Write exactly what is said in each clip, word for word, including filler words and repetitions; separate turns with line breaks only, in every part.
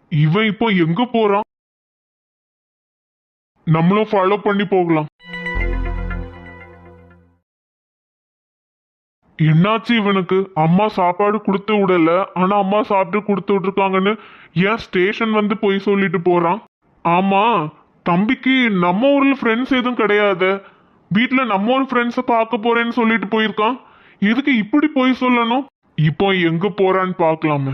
இவன் இப்போ எங்க போறான்? நம்மளும் ஃபாலோ பண்ணி போகலாம். என்னாச்சு இவனுக்கு? அம்மா சாப்பாடு கொடுத்து விடல, ஆனா அம்மா சாப்பிட்டு கொடுத்து விட்டுருக்காங்கன்னு ஏன் ஸ்டேஷன் வந்து போய் சொல்லிட்டு போறான்? ஆமா, தம்பிக்கு நம்ம ஊர்ல ஃப்ரெண்ட்ஸ் எதுவும் கிடையாது, வீட்டுல நம்ம ஊர் ஃப்ரெண்ட்ஸை பார்க்க போறேன்னு சொல்லிட்டு போயிருக்கான். எதுக்கு இப்படி போய் சொல்லணும்? இப்போ எங்க போறான்னு பார்க்கலாமே.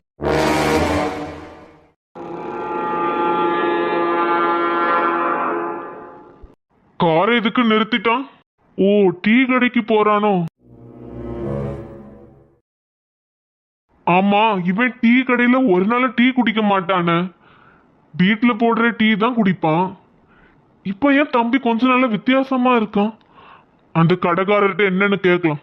கார் எதுக்கு நிறுத்திட்டான்? ஓ, டீ கடைக்கு போறானோ? ஆமா, இவன் டீ கடையில ஒரு நாள் டீ குடிக்க மாட்டானே, வீட்டுல போடுற டீ தான் குடிப்பான். இப்ப ஏன் தம்பி கொஞ்ச நாள வித்தியாசமா இருக்கான்? அந்த கடைக்காரர்கிட்ட என்னன்னு கேட்கலாம்.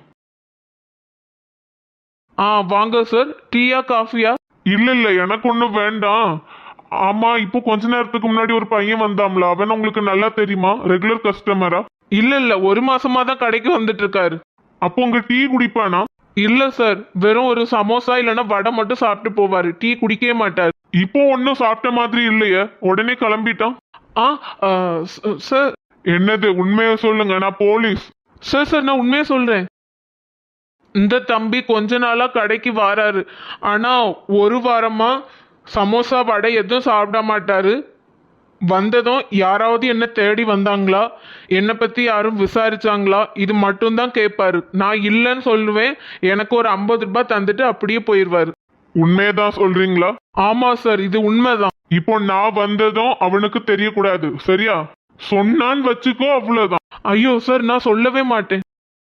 ஆ வாங்க சார், டீயா காஃபியா?
இல்ல இல்ல, எனக்கு ஒண்ணும் வேண்டாம். ஆமா, இப்போ கொஞ்ச நேரத்துக்கு முன்னாடி ஒரு பையன் வந்தாம்ல, அவன் உங்களுக்கு நல்லா தெரியுமா? ரெகுலர் கஸ்டமரா?
இல்ல இல்ல, ஒரு மாசமா தான் கடைக்கு வந்துட்டு இருக்காரு.
அப்போ உங்க டீ குடிப்பானா?
இல்ல சார், வெறும் ஒரு சமோசா இல்லைன்னா வடை மட்டும் சாப்பிட்டு போவாரு, டீ குடிக்கவே மாட்டாரு.
இப்போ ஒன்னும் சாப்பிட்ட மாதிரி இல்லையே, உடனே கிளம்பிட்டான்.
ஆ ஆ, ச- சார்.
என்னது? உண்மையை சொல்லுங்க, நான் போலீஸ்.
சார் சார் நான் உண்மையா சொல்றேன். இந்த தம்பி கொஞ்ச நாளா கடைக்கு வராரு, ஆனா ஒரு வாரமா சமோசா வடை எதுவும் சாப்பிட மாட்டாரு. வந்ததும் யாராவது என்ன தேடி வந்தாங்களா, என்னை பத்தி யாரும் விசாரிச்சாங்களா, இது மட்டும்தான் கேட்பாரு. நான் இல்லைன்னு சொல்லுவேன், எனக்கு ஒரு ஐம்பது ரூபாய் தந்துட்டு அப்படியே போயிடுவாரு.
உண்மையதான் சொல்றீங்களா?
ஆமா சார், இது உண்மைதான்.
இப்போ நான் வந்ததும் அவனுக்கு தெரியக்கூடாது, சரியா? சொன்னான்னு வச்சுக்கோ, அவ்வளவுதான்.
ஐயோ சார், நான் சொல்லவே மாட்டேன்.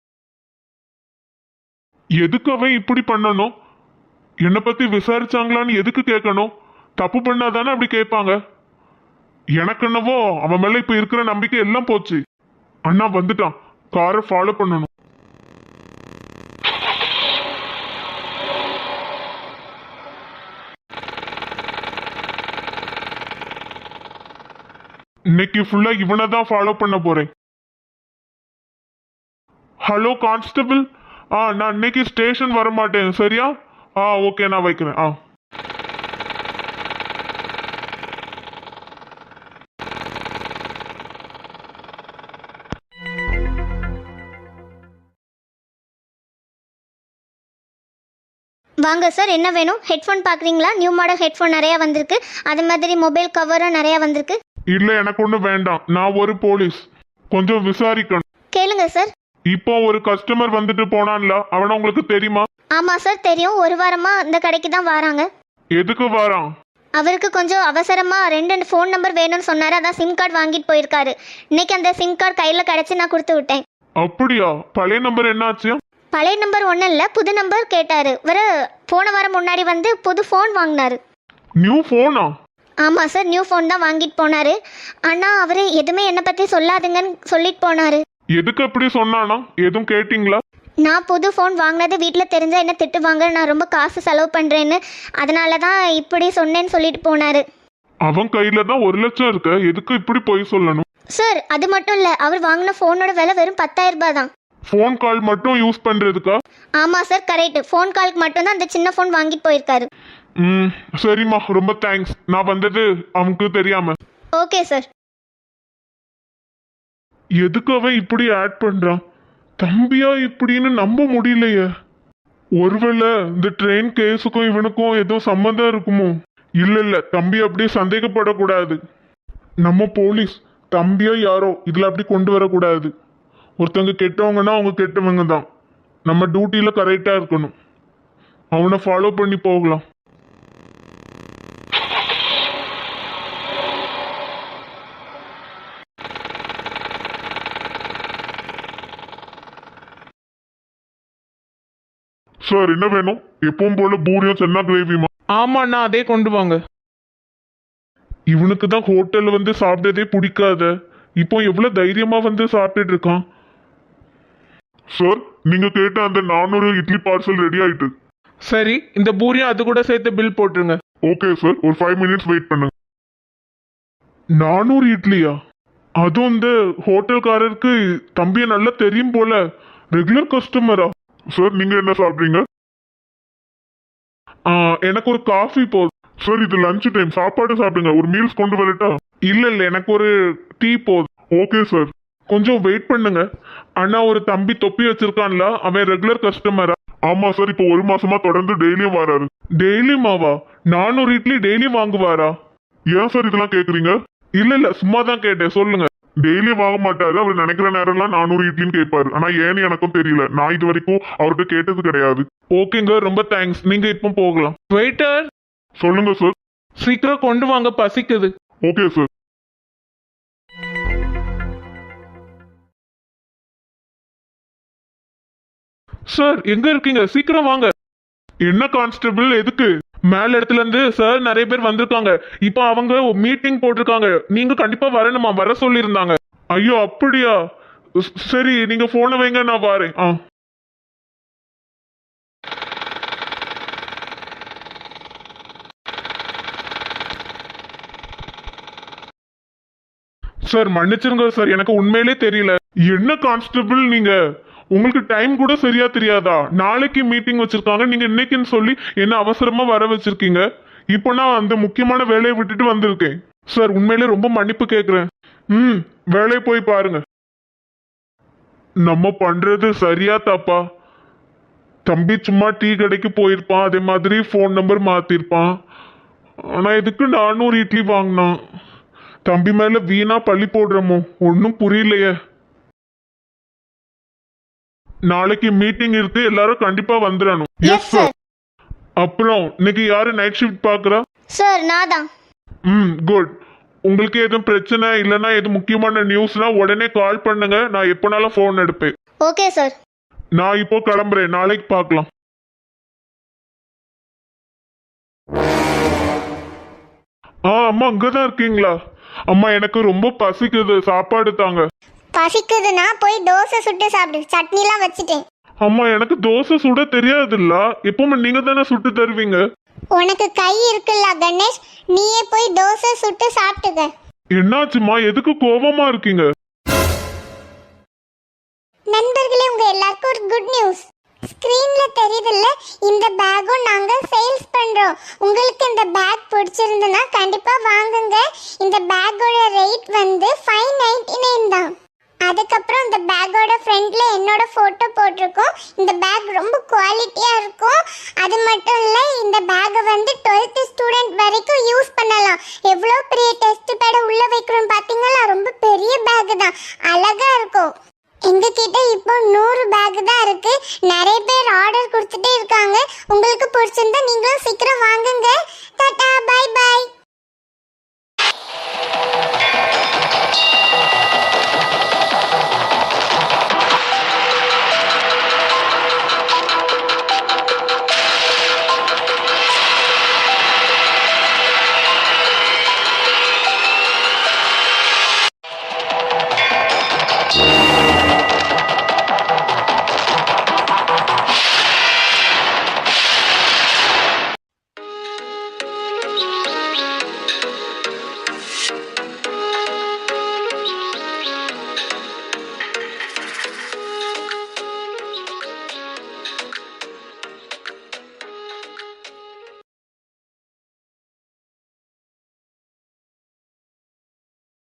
எதுக்கு அவன் இப்படி பண்ணணும்? என்னை பத்தி விசாரிச்சாங்களான்னு எதுக்கு கேட்கணும்? தப்பு பண்ணாதானே அப்படி கேட்பாங்க. எனக்கு என்னவோ அவன் மேல இப்ப இருக்கிற நம்பிக்கை எல்லாம் போச்சு. அண்ணா வந்துட்டான், காரை ஃபாலோ பண்ணணும். இன்னைக்கு ஃபுல்லா இவனை தான் ஃபாலோ பண்ண போறேன். ஹலோ கான்ஸ்டபிள், ஆ நான் இன்னைக்கு ஸ்டேஷன் வர மாட்டேன், சரியா? ஆ ஓகே, நான் வைக்கிறேன். ஆ
வாங்க சார், என்ன வேணும்? ஹெட்ஃபோன் பார்க்குறீங்களா? நியூ மாடல் ஹெட்ஃபோன் நிறையா வந்திருக்கு, அது மாதிரி மொபைல் கவரும் நிறையா வந்திருக்கு.
இல்ல, எனக்கு ஒன்றும் வேண்டாம், நான் ஒரு போலீஸ், கொஞ்சம் விசாரிக்கணும்.
கேளுங்க சார்.
இப்போ ஒரு கஸ்டமர் வந்துட்டு போனான்ல, அவனை உங்களுக்கு தெரியுமா?
ஆமாம் சார் தெரியும், ஒரு வாரமாக இந்த கடைக்கு தான் வராங்க.
எதுக்கு வரான்?
அவருக்கு கொஞ்சம் அவசரமாக ரெண்டு ஃபோன் நம்பர் வேணும்னு சொன்னார், அதான் சிம் கார்டு வாங்கிட்டு போயிருக்காரு. இன்னைக்கு அந்த சிம் கார்டு கையில் கிடச்சி நான் கொடுத்து விட்டேன்.
அப்படியா? பழைய நம்பர் என்னாச்சு?
பழைய நம்பர் ஒன்றும் இல்லை, புது நம்பர் கேட்டார். வர போன வாரம் முன்னாடி வந்து புது ஃபோன் வாங்கினாரு.
நியூ போனா?
ஆமாம் சார், நியூ ஃபோன் தான் வாங்கிட்டு போனார். ஆனால் அவர் எதுவுமே என்னை பற்றி சொல்லாதுங்கன்னு சொல்லிட்டு போனார்.
எதுக்கு அப்படி சொன்னானா? எதுவும் கேட்டிங்களா?
நான் புது ஃபோன் வாங்கினது வீட்டில் தெரிஞ்சால் என்ன திட்டுவாங்க, நான் ரொம்ப காசு செலவு பண்ணுறேன்னு, அதனால தான் இப்படி சொன்னேன்னு சொல்லிட்டு போனார்.
அவன் கையில தான் ஒரு லட்சம் இருக்கு, எதுக்கு இப்படி போய் சொல்லணும்?
சார் அது மட்டும் இல்லை, அவர் வாங்கின ஃபோனோட விலை வெறும் பத்தாயிரம் ரூபாய் தான்.
ஃபோன் கால் மட்டும் யூஸ் பண்றதுக்கா?
ஆமாம் சார் கரெக்ட், ஃபோன் காலுக்கு மட்டும்தான் அந்த சின்ன ஃபோன் வாங்கிட்டு போயிருக்காரு.
ம் சரிம்மா, ரொம்ப தேங்க்ஸ். நான் வந்தது அவனுக்கு தெரியாம.
Okay sir.
எதுக்கு அவன் இப்படி ஆட் பண்றான்? தம்பியா இப்படின்னு நம்ப முடியலையே. ஒருவேளை இந்த ட்ரெயின் கேஸுக்கும் இவனுக்கும் ஏதோ சம்மந்தம் இருக்குமோ? இல்ல இல்ல, தம்பி அப்படியே சந்தேகப்படக்கூடாது. நம்ம போலீஸ், தம்பியா யாரோ இதுல அப்படி கொண்டு வரக்கூடாது. ஒருத்தவங்க கெட்டவங்கன்னா அவங்க கெட்டவங்க தான், நம்ம டியூட்டியில கரெக்டா இருக்கணும். அவனை ஃபாலோ பண்ணி போகலாம். சார் என்ன வேணும்? எப்பவும் போல பூரியும் சென்னா கிரேவிமா?
ஆமாண்ணா, அதே கொண்டு வாங்க.
இவனுக்கு தான் ஹோட்டல்ல வந்து சாப்பிட்டதே பிடிக்காத, இப்போ எவ்வளவு தைரியமா வந்து சாப்பிட்டுட்டு இருக்கான். சார் நீங்க கேட்ட அந்த நானூறு இட்லி பார்சல் ரெடி ஆயிட்டு.
சரி, இந்த பூரியும் அது கூட சேர்த்து பில் போட்டுருங்க.
ஓகே சார், ஒரு ஃபைவ் மினிட்ஸ் வெயிட் பண்ணுங்க. நானூறு இட்லியா? அதுவும் இந்த ஹோட்டல்காரருக்கு தம்பியை நல்லா தெரியும் போல, ரெகுலர் கஸ்டமரா? சார் நீங்க என்ன சாப்பிட்றீங்க? எனக்கு ஒரு காஃபி போதும். சார் இது லஞ்ச் டைம், சாப்பாடு சாப்பிடுங்க. ஒரு மீல்ஸ் கொண்டு வரட்டா?
இல்ல இல்ல எனக்கு ஒரு டீ போதும்.
Okay sir.
கொஞ்சம் வெயிட் பண்ணுங்க. அண்ணா ஒரு தம்பி தொப்பி வச்சிருக்கான்ல, அவன் ரெகுலர் கஸ்டமரா?
ஆமா சார், இப்போ ஒரு மாசமா தொடர்ந்து டெய்லியும் வராரு.
டெய்லியுமாவா? நானூறு இட்லி டெய்லியும் வாங்குவாரா?
ஏன் சார் இதெல்லாம் கேக்குறீங்க?
இல்ல இல்ல சும்மா தான் கேட்டேன், சொல்லுங்க.
டெய்லியும் வாங்க மாட்டாரு. அவர் நினைக்கிற நேரம்லாம் நானூறு இட்லின்னு கேட்பாரு. ஆனா ஏன்னு எனக்கும் தெரியல, நான் இது வரைக்கும் அவர்கிட்ட கேட்டது கிடையாது.
ஓகேங்க, ரொம்ப தேங்க்ஸ். நீங்க இப்போ போகலாம். வெயிட்டர்,
சொல்லுங்க சார்.
சீக்கிரம் கொண்டு வாங்க, பசிக்குது.
Okay sir.
சார் எங்க இருக்கீங்க? சீக்கிரம் வாங்க. என்ன கான்ஸ்டபிள், எதுக்கு? மேல இடத்துல இருந்து சார் நிறைய பேர் வந்திருக்காங்க. இப்போ அவங்க மீட்டிங் போட்டிருக்காங்க. நீங்க கண்டிப்பா வரணுமா? வர சொல்லியிருந்தாங்க. ஐயோ அப்படியா? ஸ்- சரி நீங்க போனை வைங்க, நான் வரேன். ஆ சார் மன்னிச்சிருங்க சார், எனக்கு உண்மையிலே தெரியல. என்ன கான்ஸ்டபிள் நீங்க, உங்களுக்கு டைம் கூட சரியா தெரியாதா? நாளைக்கு மீட்டிங் வச்சிருக்காங்க, நீங்க இன்னைக்குன்னு சொல்லி என்ன அவசரமா வர வச்சிருக்கீங்க. இப்போ நான் அந்த முக்கியமான வேலையை விட்டுட்டு வந்திருக்கேன். சார் உண்மையிலே ரொம்ப மன்னிப்பு கேட்குறேன். ம் வேலையை போய் பாருங்க. நம்ம பண்றது சரியா தப்பா? தம்பி சும்மா டீ கடைக்கு போயிருப்பான், அதே மாதிரி ஃபோன் நம்பர் மாத்திருப்பான். ஆனா இதுக்கு நானூறு இட்லி வாங்கினான். தம்பி மேல வீணா பழி போடுறோமோ, ஒன்றும் புரியலையே. நாளைக்கு மீட்டிங் இருக்கு, எல்லாரும் கண்டிப்பா வந்துடணும்.
Yes sir.
அப்புறம் இன்னைக்கு யாரு நைட் ஷிஃப்ட் பாக்குறா?
சார் நான் தான்.
ம் குட். உங்களுக்கு எதுவும் பிரச்சனை இல்லைன்னா எது முக்கியமான நியூஸ்னா உடனே கால் பண்ணுங்க, நான் எப்போனாலும் ஃபோன் எடுப்பேன்.
Okay sir.
நான் இப்போ கிளம்புறேன், நாளைக்கு பார்க்கலாம். ஆ அம்மா அங்கதான் இருக்கீங்களா? அம்மா எனக்கு ரொம்ப பசிக்குது, சாப்பாடு தாங்க.
பசிக்குதுன்னா போய் தோசை சுட்டு சாப்பிடு, சட்னிலாம் வச்சுட்டேன்.
அம்மா எனக்கு தோசை சுட தெரியாதுல்ல, எப்பவுமே நீங்க தானே சுட்டு தருவீங்க.
உனக்கு கை இருக்குல்ல கணேஷ், நீயே போய் தோசை சுட்டு சாப்பிட்டுக்க.
என்னாச்சுமா, எதுக்கு கோவமா இருக்கீங்க?
நண்பர்களே, உங்க எல்லாருக்கும் ஒரு குட் நியூஸ். ஸ்கிரீன்ல தெரியுதுல்ல, இந்த பேக்கும் நாங்க சேல்ஸ் பண்றோம். உங்களுக்கு இந்த பேக் பிடிச்சிருந்ததுன்னா கண்டிப்பா வாங்குங்க. இந்த பேக்கோட ரேட் வந்து ஃபைவ் நைன்டி நைன் தான். அதுக்கப்புறம் இந்த பேக்கோட ஃப்ரண்ட்ல என்னோட போட்டோ போட்டிருக்கோம். இந்த பேக் ரொம்ப குவாலிட்டியா இருக்கும். அது மட்டும் இல்ல, இந்த பேக்கை வந்து டுவெல்த் ஸ்டூடெண்ட் வரைக்கும் யூஸ் பண்ணலாம். எவ்வளோ பெரிய டெஸ்ட் பேட உள்ள வைக்கிறோம் பாத்தீங்களா? ரொம்ப பெரிய பேக் தான், அழகா இருக்கும். எங்க கிட்ட இப்போ நூறு பேக் தான் இருக்கு. நிறைய பேர் ஆர்டர் கொடுத்துட்டே இருக்காங்க. உங்களுக்கு பிடிச்சிருந்தா நீங்களும் சீக்கிரம் வாங்குங்க. Tata, bye by.